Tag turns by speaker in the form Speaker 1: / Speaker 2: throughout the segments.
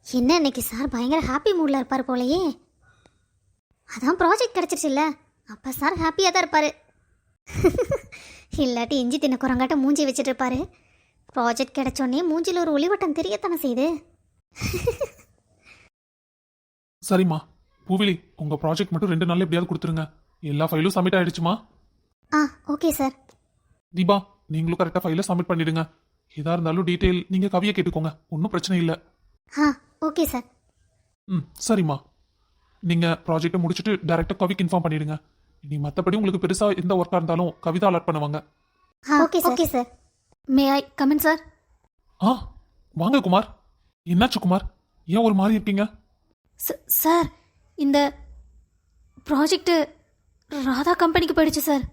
Speaker 1: என்ன இன்னைக்கு சார் பயங்கர ஹாப்பி மூடில் இருப்பார் போலயே. அதான் ப்ராஜெக்ட் கிடச்சிருச்சுல்ல, அப்போ சார் ஹாப்பியாக தான் இருப்பார். இல்லாட்டி இஞ்சி தின்ன குரங்காட்ட மூஞ்சி வச்சுட்டு இருப்பாரு. ப்ராஜெக்ட் கிடைச்சோடனே மூஞ்சில் ஒரு ஒளிவட்டம் தெரியத்தானே செய்யுது.
Speaker 2: சரிம்மா, பூவிலி உங்க ப்ராஜெக்ட் மட்டும் 2 நாள்ல எப்படியாவது கொடுத்துருங்க. எல்லா ஃபைலும் சப்மிட் ஆயிடுச்சுமா?
Speaker 1: Okay sir.
Speaker 2: தீபா, நீங்களும் கரெக்டாக ஃபைலை சப்மிட் பண்ணிடுங்க. எதா இருந்தாலும் டீட்டெயில் நீங்க கவியை கேட்டுக்கோங்க, ஒன்றும் பிரச்சனை இல்லை.
Speaker 1: Okay sir.
Speaker 2: சரிம்மா, நீங்க ப்ராஜெக்டை முடிச்சுட்டு டைரக்டா கவிக்கு இன்ஃபார்ம் பண்ணிடுங்க. இனி மற்றபடி உங்களுக்கு பெருசா எந்த ஒர்க்கா இருந்தாலும் கவிதா அலர்ட் பண்ணுவாங்க.
Speaker 1: Okay sir. May I come in sir?
Speaker 2: வாங்க குமார். என்னாச்சு குமார், ஏன் ஒரு மாதிரி இருக்கீங்க?
Speaker 1: சார், இந்த ப்ராஜெக்ட் ராதா கம்பெனிக்கு போயிடுச்சு சார்.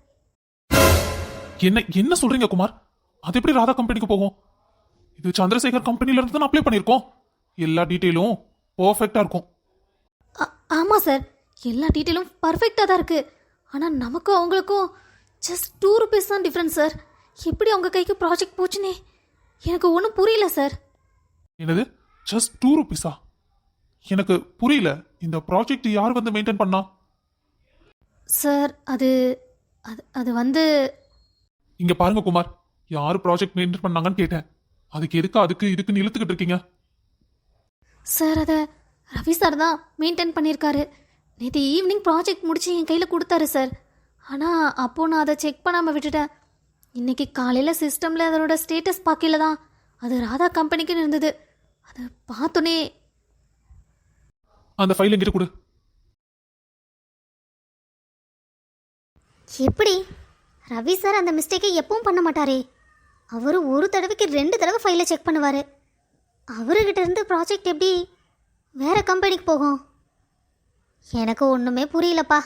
Speaker 2: என்ன சொல்றீங்க குமார்? அது எப்படி ராதா கம்பெனிக்கு போகும்? இது சந்திரசேகர் கம்பெனில இருந்து தான் அப்ளை பண்ணியிருக்கோம். எல்லா டீட்டெயிலும் பர்ஃபெக்டா இருக்கும்.
Speaker 1: ஆமாம் சார், எல்லா டீட்டெயிலும் பர்ஃபெக்டாக தான் இருக்குது. ஆனால் நமக்கும் அவங்களுக்கும் ஜஸ்ட் 2 rupees தான் டிஃப்ரென்ஸ் சார். எப்படி அவங்க கைக்கு ப்ராஜெக்ட் போச்சுனே எனக்கு ஒன்றும் புரியல சார்.
Speaker 2: என்னது, ஜஸ்ட் 2 rupees-ஆ? எனக்கு புரியல. இந்த ப்ராஜெக்ட் யார் வந்து மெயின்டைன் பண்ணா?
Speaker 1: சார், அது அது அது வந்து
Speaker 2: இங்க பாருங்க குமார், யாரு ப்ராஜெக்ட் மெயின்டைன் பண்ணாங்கன்னு கேட்டேன். அதுக்கு இதுக்குன்னு இழுத்துக்கிட்டு இருக்கீங்க?
Speaker 1: சார், அதை ரவி சார் தான் மெயின்டைன் பண்ணியிருக்காரு. நேற்று ஈவினிங் ப்ராஜெக்ட் முடிச்சு என் கையில் கொடுத்தாரு சார். ஆனால் அப்போது நான் அதை செக் பண்ணாமல் விட்டுட்டேன். இன்றைக்கி காலையில் சிஸ்டமில் அதனோட ஸ்டேட்டஸ் பார்க்கல தான் அது ராதா கம்பெனிக்குன்னு இருந்தது. அதை பார்த்தோன்னே
Speaker 2: அந்த ஃபைல் எங்கிட்ட கொடு.
Speaker 1: எப்படி? ரவி சார் அந்த மிஸ்டேக்கை எப்பவும் பண்ண மாட்டாரே. அவர் ஒரு தடவைக்கு 2 தடவை ஃபைலை செக் பண்ணுவார். அவர்கிட்ட இருந்து ப்ராஜெக்ட் எப்படி வேற கம்பெனிக்கு போகும்? எனக்கு ஒன்றுமே புரியலப்பா.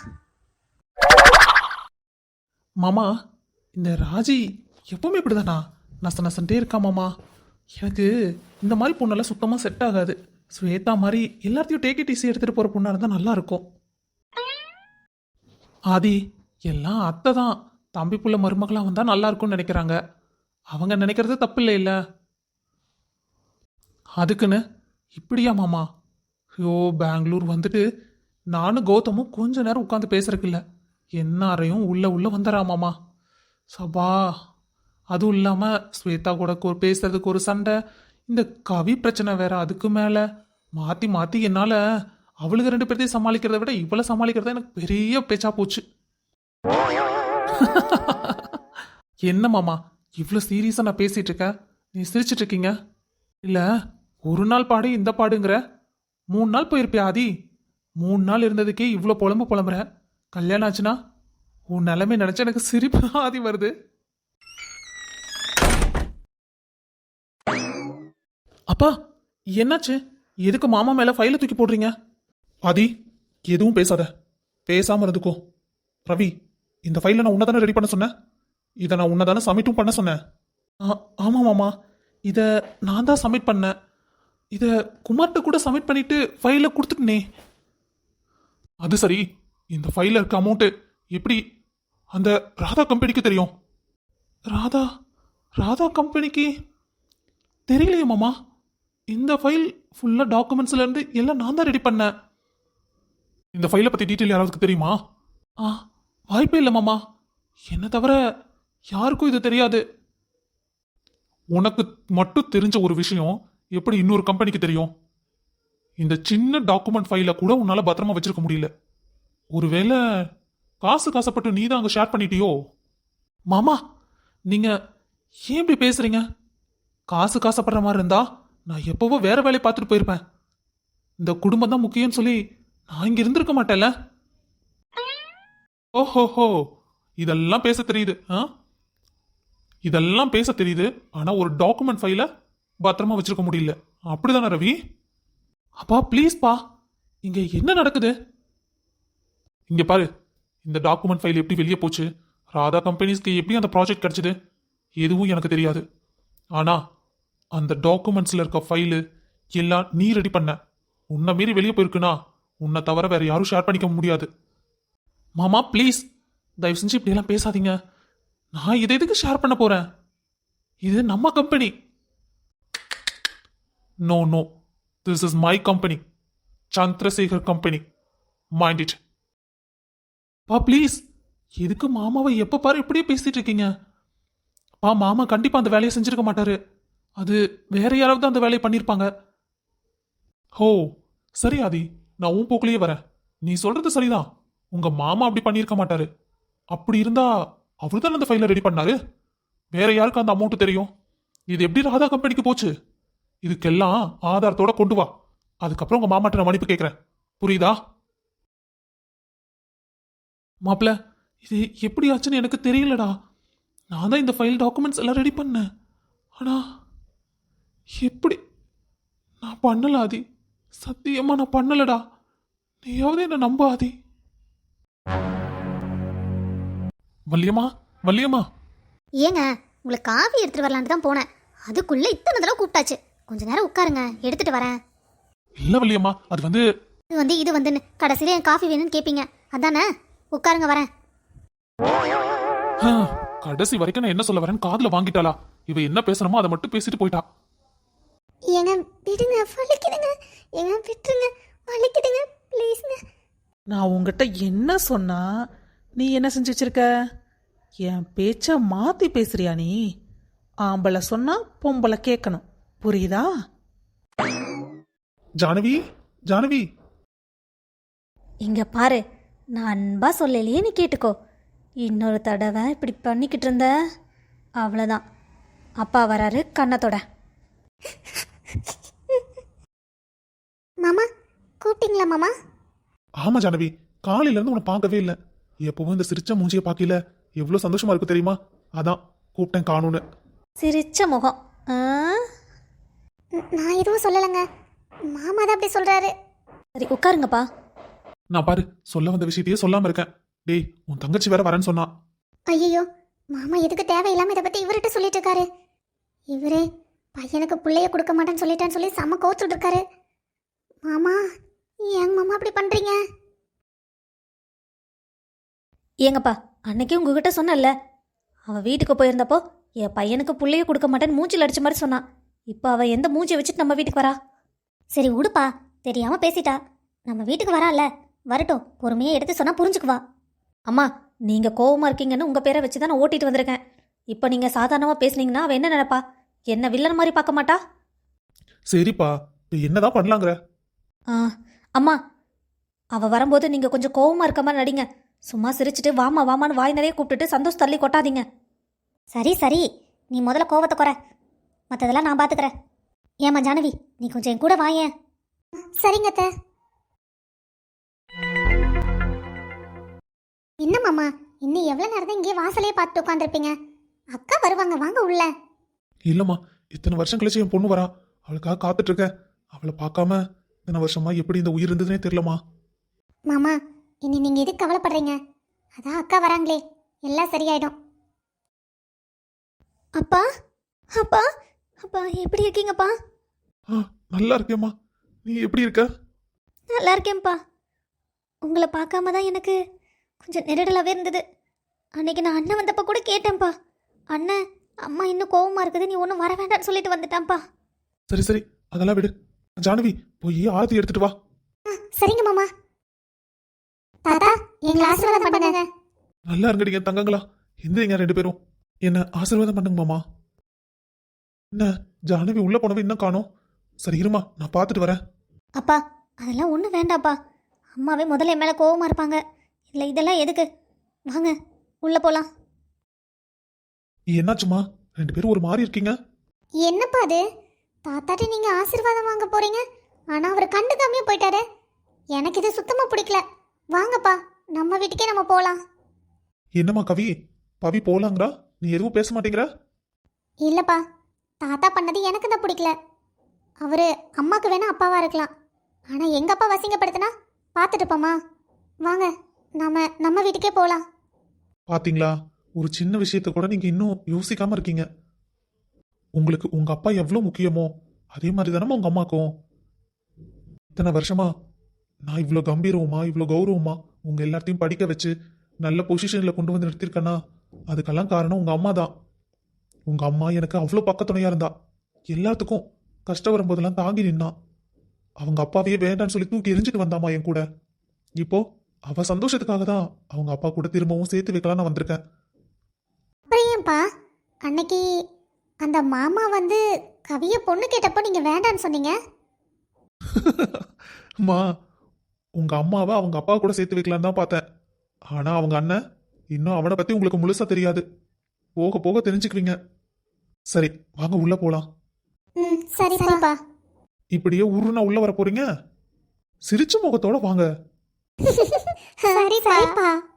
Speaker 2: மாமா, இந்த ராஜி எப்பவுமே இப்படிதானா நசன்ட்டே இருக்கா மாமா. எனக்கு இந்த மாதிரி பொண்ணெல்லாம் சுத்தமாக செட் ஆகாது. ஸ்வேதா மாதிரி எல்லாத்தையும் டேக் இட் ஈஸி எடுத்துகிட்டு போகிற பொண்ணாக இருந்தால் நல்லா இருக்கும். ஆதி, எல்லாம் அத்தை தான் தம்பி புள்ள மருமகளாக வந்தால் நல்லா இருக்கும்னு நினைக்கிறாங்க. அவங்க நினைக்கிறது தப்பு இல்லை இல்லை? அதுக்குன்னு இப்படியா மாமா? ஐயோ, பெங்களூர் வந்துட்டு நானும் கௌதமும் கொஞ்ச நேரம் உட்காந்து பேசுறதுக்கு இல்லை, என்னாரையும் உள்ள வந்துடுறா மாமா. சபா, அதுவும் இல்லாமல் ஸ்வேதா கூட பேசுறதுக்கு ஒரு சண்டை, இந்த கவி பிரச்சனை வேற. அதுக்கு மேலே மாற்றி என்னால் அவளுக்கு 2 பேர்த்தையும் சமாளிக்கிறத விட இவளை சமாளிக்கிறத எனக்கு பெரிய பேச்சா போச்சு. என்ன மாமா, இவ்வளோ சீரியஸாக நான் பேசிட்டு இருக்கேன், நீ சிரிச்சிட்டு இருக்கீங்க? இல்லை, ஒரு நாள் பாடு இந்த பாடுங்கிற 3 நாள் போயிருப்பியா ஆதி? 3 நாள் இருந்ததுக்கே இவ்வளோ புலம்புற. கல்யாணம் ஆச்சுன்னா உன் நிலைமை நினைச்சா எனக்கு சிரிப்பு ஆதி வருது. அப்பா, என்னாச்சு? எதுக்கு மாமா மேல ஃபைலை தூக்கி போடுறீங்க? ஆதி, எதுவும் பேசாம இருந்துக்கோ. ரவி, இந்த ஃபைலை நான் உன்னதானே ரெடி பண்ண சொன்னேன், இதை நான் உன்னதானே சப்மிட்டும் பண்ண சொன்னேன். ஆமாம் மாமா, இதை நான் தான் சப்மிட் பண்ணேன். இதை குமார்கிட்ட கூட சப்மிட் பண்ணிட்டு ஃபைலை கொடுத்துட்டனே. அது சரி, இந்த ஃபைலில் இருக்க அமௌண்ட்டு எப்படி அந்த ராதா கம்பெனிக்கு தெரியும்? ராதா கம்பெனிக்கு தெரியலையே மாமா. இந்த ஃபைல் ஃபுல்லாக டாக்குமெண்ட்ஸ்லேருந்து எல்லாம் நான் தான் ரெடி பண்ணேன். இந்த ஃபைலை பற்றி டீட்டெயில் யாராவது தெரியுமா? வாய்ப்பே இல்லை மாமா. என்ன தவிர யாருக்கும் இது தெரியாது. உனக்கு மட்டும் தெரிஞ்ச ஒரு விஷயம் எப்படி இன்னொரு கம்பெனிக்கு தெரியும்? இந்த சின்ன டாக்குமெண்ட் ஃபைலை கூட உன்னால பத்திரமா வச்சிருக்க முடியல. ஒருவேளை காசுப்பட்டு நீ தான் அங்கே ஷேர் பண்ணிட்டியோ? மாமா, நீங்க ஏன் இப்படி பேசுறீங்க? காசுப்படுற மாதிரி இருந்தா நான் எப்பவோ வேற வேலையை பார்த்துட்டு போயிருப்பேன். இந்த குடும்பம் தான் முக்கியம்னு சொல்லி நான் இங்க இருந்திருக்க மாட்டேன்ல. ஓஹோஹோ, இதெல்லாம் பேச தெரியுது. இதெல்லாம் பேச தெரியுது, ஆனா ஒரு டாக்குமெண்ட் ஃபைலை பத்திரமா வச்சிருக்க முடியல. அப்படிதானே ரவி? அப்பா ப்ளீஸ் பா, இங்க என்ன நடக்குது? இங்க பாரு, இந்த டாக்குமெண்ட் ஃபைல் எப்படி வெளியே போச்சு, ராதா கம்பெனிஸ்க்கு எப்படி அந்த ப்ராஜெக்ட் கிடைச்சது, எதுவும் எனக்கு தெரியாது. ஆனா அந்த டாக்குமெண்ட்ஸ்ல இருக்க ஃபைலு எல்லாம் நீ ரெடி பண்ண. உன்னை மீறி வெளியே போயிருக்குன்னா உன்னை தவிர வேற யாரும் ஷேர் பண்ணிக்க முடியாது. மாமா ப்ளீஸ், தயவு செஞ்சு இப்படியெல்லாம் பேசாதீங்க. நான் இதை எதுக்கு ஷேர் பண்ண போறேன்? இது நம்ம company. No, this is my company, Chandrasekhar company. Mind it. பா ப்ளீஸ், எதுக்கு மாமாவை எப்ப பாரு இப்படியே பேசிட்டு இருக்கீங்க? பா மாமா கண்டிப்பா அந்த வேலையை செஞ்சிருக்க மாட்டாரு. அது வேற யாராவது அந்த வேலையை பண்ணியிருப்பாங்க. ஹோ சரி ஆதி, நான் உன் போக்குலயே வரேன். நீ சொல்றது சரிதான். உங்க மாமா அப்படி பண்ணியிருக்க மாட்டாரு. அப்படி இருந்தா அவர் தான் அந்த ஃபைலை ரெடி பண்ணாரு. வேற யாருக்கு அந்த அமௌண்ட் தெரியும்? இது எப்படி ராதா கம்பெனிக்கு போச்சு? இதுக்கெல்லாம் ஆதாரத்தோட கொண்டு வா. அதுக்கப்புறம் உங்க மாமாட்ட நான் மன்னிப்பு கேட்கிறேன். புரியுதா? மாப்பிள, இது எப்படி ஆச்சுன்னு எனக்கு தெரியலடா. நான் தான் இந்த ஃபைல் டாக்குமெண்ட்ஸ் எல்லாம் ரெடி பண்ணேன். ஆனா எப்படி? நான் பண்ணல ஆதி. சத்தியமா நான் பண்ணலடா. நீயாவது என்ன நம்ப ஆதி. வள்ளியம்மா, வள்ளியம்மா.
Speaker 1: ஏங்க, உங்களுக்கு காஃபி எடுத்துட்டு வரலான்னு தான் போனேன். அதுக்குள்ள இத்தனை தடவை கூப்பிட்டாச்சு. கொஞ்ச நேரம் உட்காருங்க, எடுத்துட்டு வரேன்.
Speaker 2: இல்ல வள்ளியம்மா, அது வந்து
Speaker 1: இது வந்துன்னு கடைசியில என் காஃபி வேணும்னு கேட்பீங்க, அதானே? உட்காருங்க, வரேன்.
Speaker 2: கடைசி வரைக்கும் நான் என்ன சொல்ல வரேன்னு காதுல வாங்கிட்டாளா? இவ என்ன பேசணுமோ அதை மட்டும் பேசிட்டு போயிட்டா.
Speaker 1: ஏங்க விடுங்க, வலிக்குதுங்க. ஏங்க விட்டுருங்க, வலிக்குதுங்க, ப்ளீஸ்ங்க.
Speaker 3: நான் உங்ககிட்ட என்ன சொன்னா நீ என்ன செஞ்சு வச்சிருக்க? என் பேச்ச மாத்தி பேசுறியா நீ? ஆம்பளை சொன்னா பொம்பளை கேட்கணும், புரியுதா?
Speaker 2: ஜானவி, ஜானவி.
Speaker 1: இங்க பாரு, நான் அன்பா சொல்லலையே, நீ கேட்டுக்கோ. இன்னொரு தடவை இப்படி பண்ணிக்கிட்டு இருந்த அவ்வளோதான். அப்பா வராரு, கண்ணத்தோட. மாமா கூப்பிட்டீங்களா மாமா?
Speaker 2: ஆமா ஜானவி, காலையில இருந்து உன்னை பார்க்கவே இல்லை. எப்பவும் இந்த சிரிச்ச மூஞ்சியை பார்க்கல எவ்வளவு சந்தோஷமா இருக்கு தெரியுமா? அதான் கூப்பிட்டேன் காணுன்னு.
Speaker 1: சிரிச்ச முகம். நான் எதுவும் சொல்லலைங்க, மாமா தான் அப்படி சொல்றாரு. சரி உட்காருங்கப்பா.
Speaker 2: நான் பாரு, சொல்ல வந்த விஷயத்தையே சொல்லாம இருக்கேன். டேய், உன் தங்கச்சி வேற வரேன்னு சொன்னா.
Speaker 1: ஐயோ, மாமா எதுக்கு தேவையில்லாம இதை பத்தி இவர்கிட்ட சொல்லிட்டு இருக்காரு? இவரே பையனுக்கு பிள்ளைய கொடுக்க மாட்டேன்னு சொல்லிட்டான்னு சொல்லி செம்ம கோச்சுட்டு இருக்காரு. மாமா, ஏங்க மாமா அப்படி பண்றீங்க? ஏங்கப்பா, அன்னைக்கு உங்ககிட்ட சொன்னல, அவ வீட்டுக்கு போயிருந்தப்போ என் பையனுக்கு பிள்ளைய கொடுக்க மாட்டேன்னு மூஞ்சில் அடிச்ச மாதிரி சொன்னான். இப்போ அவ எந்த மூஞ்சியை வச்சுட்டு நம்ம வீட்டுக்கு வரா? சரி உடுப்பா, தெரியாம பேசிட்டா. நம்ம வீட்டுக்கு வரால, வரட்டும், பொறுமையாக எடுத்து சொன்னா புரிஞ்சுக்குவா. அம்மா, நீங்க கோவமா இருக்கீங்கன்னு உங்க பேரை வச்சு தான் நான் ஓட்டிட்டு வந்திருக்கேன். இப்போ நீங்க சாதாரணமா பேசுனீங்கன்னா அவ என்ன நினைப்பா? என்ன வில்லன் மாதிரி பார்க்க மாட்டா?
Speaker 2: சரிப்பா, இப்ப என்னதான் பண்ணலாங்கிற?
Speaker 1: அம்மா, அவ வரும்போது நீங்க கொஞ்சம் கோவமா இருக்க மாதிரி நடிங்க. சும்மா சிரிச்சுட்டு வாமா வாமான்னு வாய் நிறைய கூப்பிட்டுட்டு சந்தோஷ் தள்ளி கொட்டாதீங்க. சரி சரி, நீ முதல்ல கோவத்தை குறை, மற்றதெல்லாம் நான் பார்த்துக்கிறேன். ஏமா ஜானவி, நீ கொஞ்சம் என் கூட வாயேன். சரிங்க அத்தை. என்ன மாமா, இன்னும் எவ்வளோ நேரம் தான் இங்கே வாசலையே பார்த்துட்டு உட்காந்துருப்பீங்க? அக்கா வருவாங்க, வாங்க உள்ள.
Speaker 2: இல்லம்மா, இத்தனை வருஷம் கழிச்சு என் பொண்ணு வரா, அவளுக்காக காத்துட்டு இருக்கேன். அவளை பார்க்காம இத்தனை வருஷமா எப்படி இந்த உயிர் இருந்ததுனே தெரியலமா.
Speaker 1: மாமா, இனி நீங்க எதுக்கு கவலைப்படுறீங்க? அதான் அக்கா வராங்களே, எல்லாம் சரியாயிடும். அப்பா, அப்பா, அப்பா எப்படி இருக்கீங்கப்பா?
Speaker 2: நல்லா இருக்கேம்மா, நீ எப்படி இருக்க?
Speaker 1: நல்லா இருக்கேன்ப்பா. உங்களை பார்க்காம தான் எனக்கு கொஞ்சம் நெருடலாகவே இருந்தது. அன்னைக்கு நான் அண்ணன் வந்தப்போ கூட கேட்டேன்ப்பா, அண்ணன் அம்மா இன்னும் கோவமா இருக்குது, நீ ஒன்றும் வர வேண்டாம்னு சொல்லிட்டு வந்துட்டான்ப்பா.
Speaker 2: சரி சரி, அதெல்லாம் விடு. ஜானவி, போய் ஆரத்தி எடுத்துட்டு வா.
Speaker 1: சரிங்க மாமா. தாத்தா, எங்களை ஆசீர்வாதம் பண்ணுங்க.
Speaker 2: நல்லா இருங்கடிங்க தங்கங்களா, எந்திரிங்க ரெண்டு பேரும். என்ன ஆசீர்வாதம் பண்ணுங்க மாமா. என்ன ஜானவி உள்ள போனவ இன்னும் காணோம். சரி இருமா, நான் பார்த்துட்டு வரேன்.
Speaker 1: அப்பா, அதெல்லாம் ஒன்றும் வேண்டாப்பா. அம்மாவே முதல்ல என் மேலே கோவமா இருப்பாங்க. இல்லை இதெல்லாம் எதுக்கு? வாங்க உள்ள போலாம்.
Speaker 2: என்னாச்சுமா, ரெண்டு பேரும் ஒரு மாதிரி இருக்கீங்க?
Speaker 1: என்னப்பா அது? தாத்தாட்ட நீங்க ஆசீர்வாதம் வாங்க போறீங்க, ஆனா அவர் கண்டுக்காமே போயிட்டாரு. எனக்கு இது சுத்தமா பிடிக்கல. வாங்கப்பா, நம்ம வீட்டுக்கே நம்ம போலாம்.
Speaker 2: என்னம்மா கவி, பவி போலாங்கிறா, நீ எதுவும் பேச மாட்டேங்கிற?
Speaker 1: இல்லப்பா, தாத்தா பண்ணது எனக்கு தான் பிடிக்கல. அவரு அம்மாக்கு வேணா அப்பாவா இருக்கலாம், ஆனா எங்க அப்பா வசிங்கப்படுத்தினா பார்த்துட்டு போமா. வாங்க, நம்ம வீட்டுக்கே போலாம்.
Speaker 2: பாத்தீங்களா, ஒரு சின்ன விஷயத்த கூட நீங்க இன்னும் யோசிக்காம இருக்கீங்க. உங்களுக்கு உங்க அப்பா எவ்வளவு முக்கியமோ அதே மாதிரி தானே உங்க அம்மாக்கும். இத்தனை வருஷமா நான் இவ்வளோ கம்பீரமா இவ்வளோ கௌரவமா உங்க எல்லாத்தையும் படிக்க வச்சு நல்ல பொசிஷன்ல கொண்டு வந்து நிறுத்திருக்கேன்னா அதுக்கெல்லாம் காரணம் உங்க அம்மா தான். உங்க அம்மா எனக்கு அவ்வளோ பக்கத்துணையா இருந்தா, எல்லாத்துக்கும் கஷ்டம் வரும்போதெல்லாம் தாங்கி நின்னா. அவங்க அப்பாவையே வேண்டான்னு சொல்லி தூக்கி எரிஞ்சிட்டு வந்தாமா என் கூட. இப்போ அவ சந்தோஷத்துக்காக தான் அவங்க அப்பா கூட திரும்பவும் சேர்த்து வைக்கலாம்னு வந்திருக்கேன்.
Speaker 4: அப்புறம் ஏன்பா அன்னைக்கு அந்த மாமா வந்து கவியை பொண்ணு கேட்டப்போ நீங்கள் வேண்டான்னு சொன்னீங்க?
Speaker 2: அம்மா, உங்க அம்மாவை அவங்க அப்பா கூட சேர்த்து வைக்கலான்னு தான் பார்த்தேன். ஆனா அவங்க அண்ணன் இன்னும் அவனை பத்தி உங்களுக்கு முழுசா தெரியாது. போக போக தெரிஞ்சுக்குவீங்க. சரி, வாங்க உள்ள போலாம்.
Speaker 4: ம் சரிப்பா.
Speaker 2: இப்படியே உருன்னா உள்ள வர போறீங்க? சிரிச்ச முகத்தோட வாங்க.
Speaker 4: சரிப்பா.